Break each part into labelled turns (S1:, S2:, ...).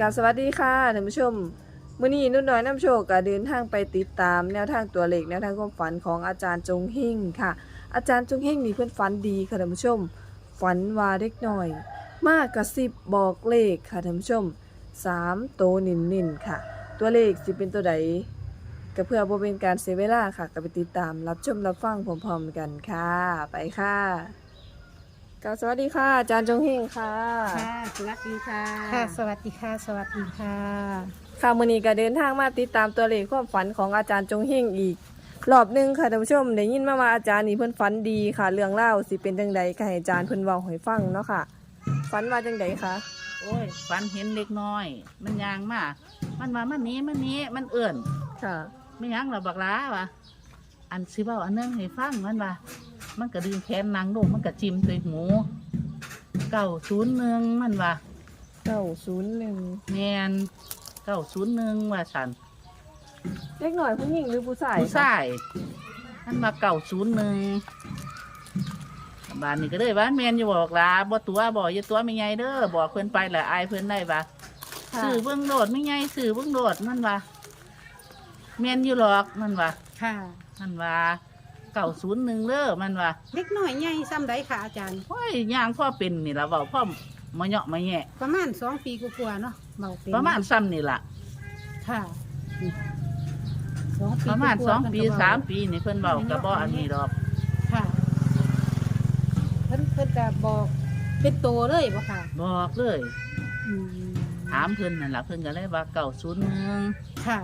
S1: กราบสวัสดีค่ะท่านผู้ชมมื้อนี้นุ่นน้อยน้ำโชคก็เดินทางไปติดตามแนวทางตัวเลขแนวทางความฝันของอาจารย์จงเฮงค่ะ อาจารย์จงเฮงนี่เพิ่นฝันดีค่ะท่านผู้ชมฝันว่าเด็กน้อยมากระซิบบอกเลขค่ะท่านผู้ชม3โตวเน้นๆค่ะ ตัวเลขสิเป็นตัวใดก็เพื่อบ่เป็นการเสียเวลาค่ะก็ไปติดตามรับชมรับฟังพร้อมๆกันค่ะไปค่ะกราบสวัสดีค่ะอาจารย์จงเฮงค่ะ
S2: ค่ะสวัสดีค่ะ
S3: ค่ะสวัสดีค่ะสวัสดีค่ะ
S1: ค่ะมื้อนี้ก็เดินทางมาติดตามตัวเลขความฝันของอาจารย์จงเฮงอีกรอบหนึงค่ะท่านผู้ชมได้ยินมาว่าอาจารย์นี่เพิ่นฝันดีค่ะ เรื่องเล่าวสิเป็นจังใดก็ให้อาจารย์เพิ่นเว้าให้ฟังเนาะค่ะฝันว่าจังใดคะ
S2: โอ้ยฝันเห็นเล็กน้อย มันยางมามันว่ามันนี้มันเอื่น
S1: ค่ะ
S2: ไม่ยังหรอบักล้าวะอันสิเบ้าอันนึงให้ฟังมันว่ามันก็ดึงแขนนางลงมันก็จิ้มใส่หู901มันว่า
S1: 901
S2: แมน901ว่าสัน
S1: เล็กน้อยผู้หญิงหรือผู้ชาย
S2: ผู้ชายมันมา901บ้านนี้ก็เลยว่าแมนอยู่บอกลาบ่ตัวบ่อย่าตัวไม่ใหญ่เด้อบอกเพิ่นไปแหละอายเพิ่นได้ปะ
S1: ค่ะ
S2: สื่อเบื้องโดดไม่ไงสื่อเบื้องโดดมันว่าเมียนอยู่หรอกมันว่า
S3: ค่ะ
S2: มันว่า901เด้อมันว่า
S3: เล็กน้อยใหญ่ซ้ำใดค่ะอาจารย์
S2: โอ้ยย่างพ่อเป็นนี่ละเบาพ่อมาเหยาะมาแย่
S3: ประมาณ2 ปีกว่าๆเนาะเบาเป็น
S2: ประมาณซ้ำนี่ละ
S3: ค่ะ2 ปี
S2: ประมาณ
S3: กว่าๆ
S2: 2 ปี
S3: เพิ่นก็เว้
S2: 3 ปีนี่เพิ่นเบากระบอกอันนี้ดอก
S3: ค่ะเพิ่นก็บอกเป็นโตเลยบ่ค่ะ
S2: บอกเลย
S3: อืม
S2: ถามเพิ่นนั่นล่ะเพิ่นก็เลยว่า901
S3: ค่ะ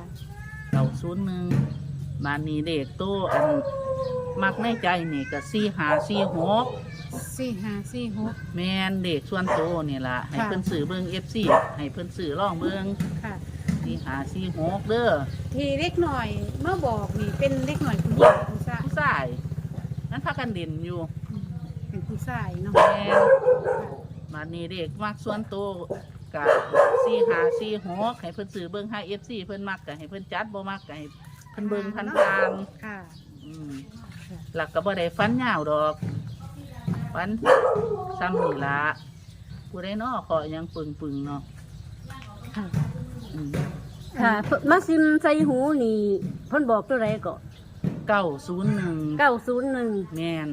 S2: 901บ้านนี้เด็กโตอันมักในใจนี่ก็4546
S3: 4546
S2: แม่นเด็กส่วนโตนี่ล่ะให้
S3: ค่ะ
S2: เพิ่นซื้อเบิ่ง FC ให้เพิ่นซื้อลองเบิ่ง
S3: ค่ะ
S2: 4546เด้อ
S3: ที่เล็กน้อยเมื่อบอกนี่เป็นเล็กน้อยผู้หญิงผู้ชาย
S2: ผู้ชายนั้นพากันเด่นอยู่
S3: อืมเป็นผู้ชายเนาะ
S2: แม่นมานี่เด็กมักส่วนโตกับ4546ให้เพิ่นซื้อเบิ่งให้ FC เพิ่นมักก็ให้เพิ่นจัดบ่มักก็ให้เพิ่นเบิ่งพัน
S3: ค่ะ
S2: ๆหลักก็บ่ได้ฟันยาวดอกฟันซ้ำนี่ล่ะผู้ใดน้อขอหยังปึงๆเนาะ
S3: ค่ะ
S2: อืม
S4: ค่ะมาซิมใส่หูนี่เพิ่นบอกตัวไรก็
S2: 901
S4: 901
S2: แม่น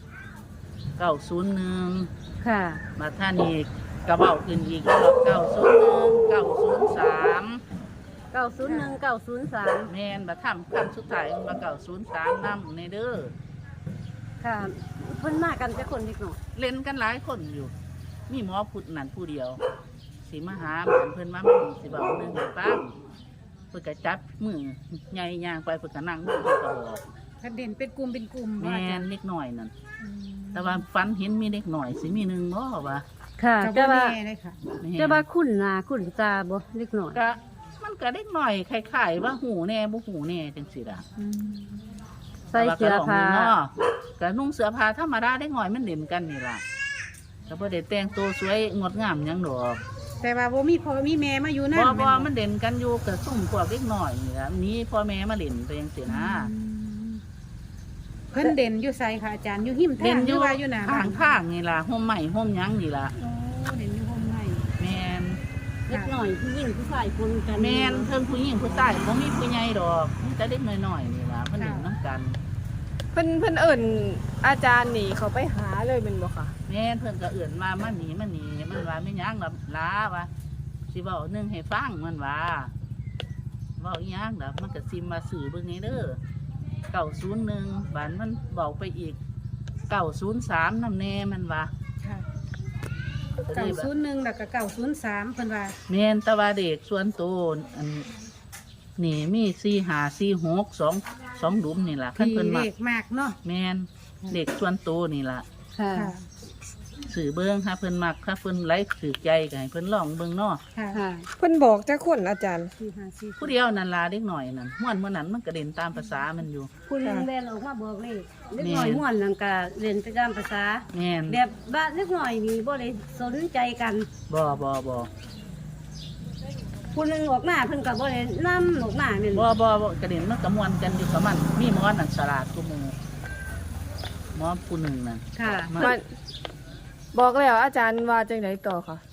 S2: 901
S4: ค่ะ
S2: มาท่านี้กระเบ้าขึ้นอีกรอบ901 903
S4: 901 903
S2: แม่นมาทำคำสุดท้ายมา903นำในเด้อ
S4: ค่ะ เพิ่นมากันจะคนเล็กน้อย
S2: เล่นกันหลายคนอยู่ มีหมอพุดนั่นผู้เดียวสิมาหาเหมือนเพิ่นมาหมู่สิบอกหนึงให้ฟังเพิ่นก็จับมือใหญ่ย่างไปเพิ่นก็นั่งมือเพิ่นก็บอก
S3: ถ้าเด่นเป็นกลุ่มเป็นกลุ่ม
S2: แม่นเล็กน้อยนั่นแต่ว่าฝันเห็นมีเล็กน้อยสิมีหนึงบ่ว่า
S4: ค่ะ
S3: จะ
S4: จะ
S3: ว่า
S4: ว่า
S3: แน่เลยค่ะ
S2: แม่น
S4: จะว่าคุ้นหน้าคุ้นตาบ่เล็กน้อย
S2: ก็มันก็เล็กน้อยคล้ายๆว่าหูแน่บ่หูแน่จังซี่ล่ะ
S4: ใส่เสื้อผ้า
S2: ก็นุ่งเสื้อผ้าธรรมดาได้หน่อยมันเด่นกันนี่ล่ะก็บ่ได้แต่งตัวสวยงดงามหยังดอก
S3: แต่ว่าบ่มีพ่อมีแม่มาอยู่นั่น
S2: บ่มันเด่นกันอยู่กับซุ่มพวกเล็กน้อยนี่ล่ะมีพ่อแม่มาเล่นไปจังซี่นะ
S3: เพิ่นเด่นอยู่ไสค่ะอาจารย์อยู่หิม
S2: เด่
S3: ทานง
S2: อยู่
S3: ว่าอยู่หน้าบ้าน
S2: ข้างๆนี่ล่ะห่มไม้ห่มหยังนี่ล่ะ
S3: โอ้เด่นอยู่ห้องไห้
S2: แม่น
S4: เล็กน้อยผู้หญิงผู้ชายคนกัน
S2: แม่นเพิ่นผู้หญิงผู้ชายบ่มีผู้ใหญ่ดอกมีแต่เด็กน้อยๆนี่ล่ะเพิ่นเล่นนํกัน
S1: เพิ่นเอิ้นอาจารย์นี่เขาไปหาเลยเป็นบ่ค่ะ
S2: แม่นเพิ่นก็เอื่นมามันหนีมันว่าไม่ยั้งละล้าวะสิเว้าหนึงให้ฟังมันว่าเว้าอีหยังล่ะมันก็ซิมมาสื่อเบิ่งนี้เด้อ901บานมันเว้าไปอีก903นำแน่มันว่า
S3: ค่ะ
S2: ก็เลยว่า
S3: 901แล้วก็903เพิ่นว่า
S2: แม่นแตะว่าเด็กส่วนโตนอันนี่มี4546 2หลุมนี่ล่ะคัน
S3: ที่
S2: เพิ่น
S3: เล
S2: มา
S3: ขมากเนาะ
S2: แม่นเด็กส่วนโตนี่ล่ะ
S4: ค่ะ
S3: ค่ะ
S2: สื่อเบิ่งถ้าเพิ่นมักถ้าเพิ่นไลค์ถือใจก็ให้เพิ่นลองเบิ่งเนาะ
S3: ค่ะ
S4: ค่ะ
S1: เพิ่นบอกจักคนอาจารย์
S3: 454
S2: ผู้เดียวนั่นลาเด็กหน่อยนั่นม่วนเมื่อนั้นมันกระเด็นตามภาษามันอยู่
S4: ผู้หนึงแล่นออกมาบอกเลขเล็กน้อยม่วนนั่นก็เรียนไปตามภาษา
S2: แม่น
S4: แบบว่าเล็กน้อยนี่บ่ได้สนใจกัน
S2: บ่
S4: ผู้หนึงออกมาเพิ่นก็บ่ได้นำออกมาแม่น
S2: บ่กระเด็นมันกระมวนกันอยู่กับมัน มีหมอนั่นฉลาดกูหมู่หมอผู้หนึ่งนั่น
S4: ค่ะ
S2: มัน
S1: มันบอกแล้วอาจารย์ว่าจังไดต่อค่ะ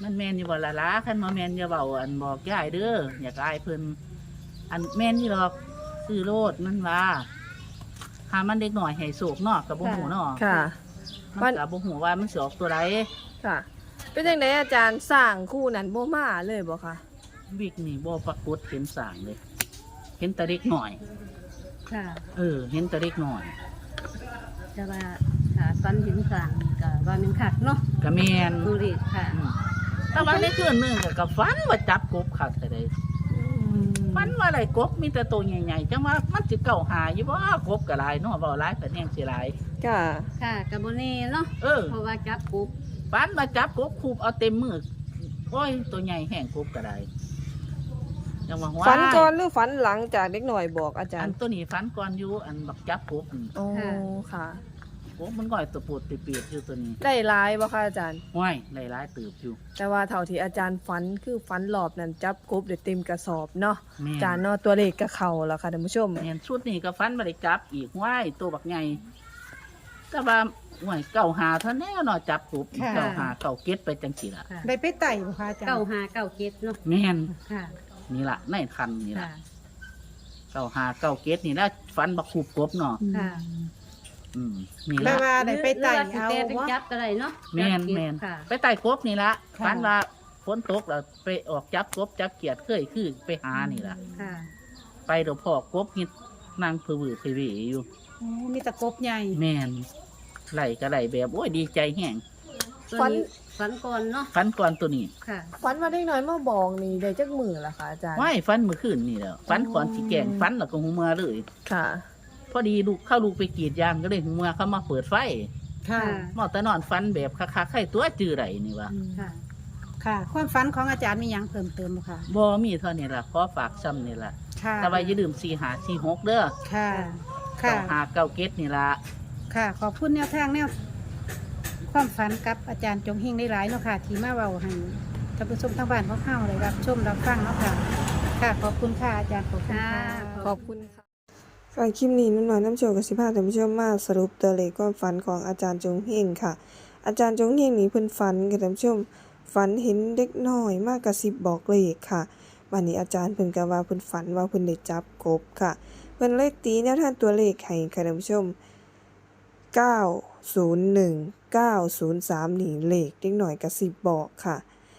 S2: มันแม่นอยู่บ่ล่ะล่ะคันบ่แม่นอย่าเว้าอันบอกยายเด้ออยากอายเพิ่นอันแม่นนี่หรอกซื้อโลดมันว่าหามันเด็กน้อยให้โศกเนาะก็บ่ฮู้เนาะ
S1: ค่ะ
S2: มันก็บ่ฮู้ว่ามันสิออกตัวใด
S1: ค่ะ เป็นจังไดอาจารย์สร้างคู่นั้นบ่มาเลยบ่คะ
S2: วิกนี่บ่ปรากฏเห็นสร้างเลย เห็นแต่เด็กน้อย
S4: ค่ะ
S2: เห็นแต่เด็กน้อย
S4: แต่ว่าถ้าฟันเห็นสร้างก็ว่ามันคักเนาะ
S2: ก็แม่น
S4: ดูดิค่ะ
S2: แต่ว่าในคืนหนึงก็ฝันว่าจับกบคักแต่ใดฝันว่าได้กบมีแต่ตัวใหญ่ๆจังว่ามันสิเก่าหาอยู่บ่กบก็หลายเนาะเว้าหลายก็แฮงสิหลาย
S1: ค่ะ
S4: ค่ะกับโบเน่เนาะ เพราะว่าจับกุ๊บ
S2: ฝันว่าจับกบคูบเอาเต็มมือโอ้ยตัวใหญ่แห้งกบก็ได้จังว่าว้า
S1: ฝันก่อนหรือฝันหลังจากเด็กหน่อยบอกอาจาร
S2: อัน
S1: ย์
S2: ตัวนี้ฝันก่อนอยู่อันบักจับกบนี่
S1: โอ้ค่ะ
S2: กบมันก่อยตัวปูดติเปียกอยู่ตัวนี้
S1: ได้หลายบ่คะอาจารย์
S2: ห้วยหลายๆตืบอยู่
S1: แต่ว่าเท่าที่อาจารย์ฝันคือฝันหลอบนั้นจับกบได้เต็มกระสอบเนาะ
S2: แม่
S1: อาจารย์เนาะตัวเลขก็เข้าแล้วค่ะท่านผู้ชม
S2: แม่นชุดนี้ก็ฝันบ่ได้จับอีกห้วยตัวบักใหญ่แต่ว่าห้วยเก่าหาเท่าแน่เนาะจับกบ
S3: ค่ะ
S2: เก่าหาเก่าเก็ดไปจังซี่ล่ะ
S4: ค่ะ
S3: ได้ไปไต่บ่คะอาจารย์
S4: 9 5 9 7เนาะ
S2: แม่น
S4: ค่ะ
S2: นี่ล่ะในคันนี่ล่ะ
S4: ค่ะ
S2: เก่าหาเก่าเก็ดนี่ล่ะฝันบักคูบกบเนาะ
S4: ค่ะ
S2: นี่
S3: แปล
S2: ล่ะ
S3: ว่าได้ไปไต่
S4: หรือ
S3: เอา
S4: ว่าสิแต่ไป
S3: บ่
S4: จับก็ได้เนาะ
S2: แม่น
S4: จับเก็บ
S2: แม่น
S4: ค่ะ
S2: ไปไต่กบนี่ละ
S3: ค่ะ
S2: ฝันว่าฝนตกแล้วไปออกจับกบจับเกียดเคยคือไปหานี่ละ
S4: ค่ะ
S2: ไปเดี๋ยวพอกบนี่นั่งผือผือเพวีอยู่
S3: อ๋อมีแตะกบใหญ่
S2: แม่นไหลก็ไหลแบบโอ้ยดีใจแห้ง
S1: ฝัน
S4: ฝันก่อนเนาะ
S2: ฝันก่อนตัวนี้
S4: ค่ะ
S1: ฝันว่าเด็กน้อยมาบอกนี่ได้จักมื้อล่ะค่ะอาจารย์
S2: ว่ายฝันเมื่อคืนนี่แหล้วฝันก่อนสิแกงฝันแล้วก็หูเมือเลย
S1: ค่ะ
S2: พอดีลูกเข้าลูกไปกรีดยางก็เลยหูเมือเขามาเปิดไฟ
S3: ค่ะ
S2: หมอแต่นอนฝันแบบคักๆให้ตัวจือไรนี่วะ
S4: ค่ะ
S3: ค่ะ ความฝันของอาจารย์มีหยังเพิ่มเติมบ่คะ
S2: บ่มีเท่านี้ล่ะขอฝากซ้ำนี่ล่ะ
S3: ค่ะ
S2: แต่ว่าอย่าลืม4546เด้อ
S3: ค่ะ
S2: เก่า
S3: ค่ะ
S2: หาเก่าเก็ดนี่ล่ะ
S3: ค่ะ ขอบคุณแนวทางแนวความฝันกับอาจารย์จงเฮงได้หลายเนาะค่ะ ที่มาเว้าให้ท่านผู้ชมทางบ้านเขาเข้าเลยรับชมรับฟังเนาะค่ะ ค่ะ ขอบคุณค่ะอาจารย์ขอบคุณค่ะ
S1: ขอบคุณค่ะค่ะคลิปนี้นุ่นน้อยน้ำโชว์กับสิพาท่านผู้ชมมาสรุปตัวเลขความฝันของอาจารย์จงเฮงค่ะ อาจารย์จงเฮงนี่เพิ่นฝันค่ะท่านผู้ชมฝันเห็นเด็กน้อยมากกระซิบบอกเลขค่ะวันนี้อาจารย์เพิ่นก็ว่าเพิ่นฝันว่าเพิ่นได้จับกบค่ะเพิ่นเลขตีแนวทางตัวเลขให้ค่ะท่านผู้ชม901 903นี่เลขเด็กน้อยกระซิบบอกค่ะ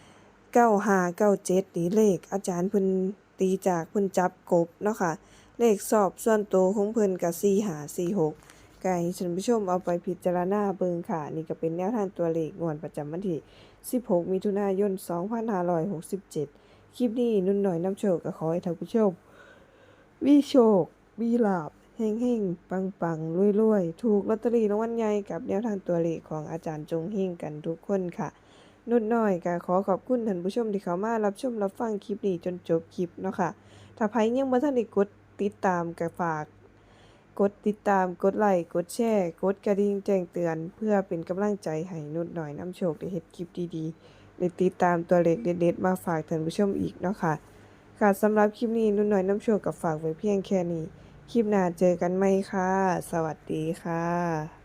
S1: 9597นี่เลขอาจารย์เพิ่นตีจากเพิ่นจับกบเนาะค่ะ เลขสอบส่วนตัวของเพิ่นกับ4546ไก่ท่านผู้ชมเอาไปพิจารณาเบิ่งค่ะ นี่ก็เป็นแนวทางตัวเลขงวดประจำวันที่16มิถุนายน2567คลิปนี้นุ่นหน่อยน้ำโชคก็ขอให้ท่านผู้ชมมีโชคมีลาภเฮงๆปังๆรวยๆถูกลอตเตอรี่รางวัลใหญ่กับแนวทางตัวเลขของอาจารย์จงเฮงกันทุกคนค่ะ นุ่นน้อยก็ขอขอบคุณท่านผู้ชมที่เข้ามารับชมรับฟังคลิปนี้จนจบคลิปเนาะค่ะถ้าใครยังบ่ทันได้กดติดตามก็ฝากกดติดตามกดไลค์กดแชร์กดกระดิ่งแจ้งเตือนเพื่อเป็นกำลังใจให้นุ่นน้อยน้ำโชคได้เฮ็ดคลิปดีๆได้ติดตามตัวเลขเด็ดๆมาฝากท่านผู้ชมอีกเนาะค่ะค่ะสำหรับคลิปนี้นุ่นน้อยน้ำโชคก็ฝากไว้เพียงแค่นี้คลิปหน้าเจอกันใหม่ค่ะสวัสดีค่ะ